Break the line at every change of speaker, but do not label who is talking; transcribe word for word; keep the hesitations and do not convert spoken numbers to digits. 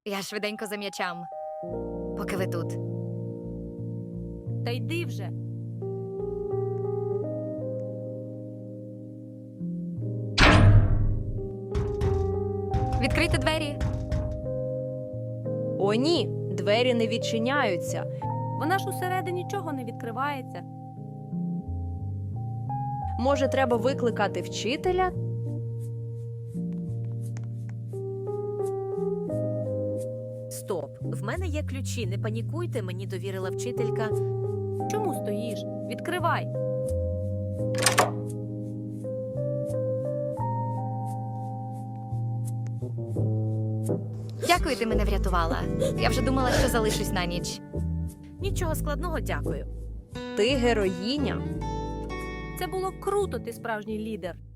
Я швиденько за м'ячам. Поки ви тут.
Та йди вже.
Відкрийте двері.
О, ні, двері не відчиняються.
Вона ж усередині нічого не відкривається.
Може, треба викликати вчителя?
Стоп, в мене є ключі, не панікуйте, мені довірила вчителька.
Чому стоїш? Відкривай.
Дякую, ти мене врятувала. Я вже думала, що залишусь на ніч.
Нічого складного, дякую.
Ти героїня.
Це було круто, ти справжній лідер.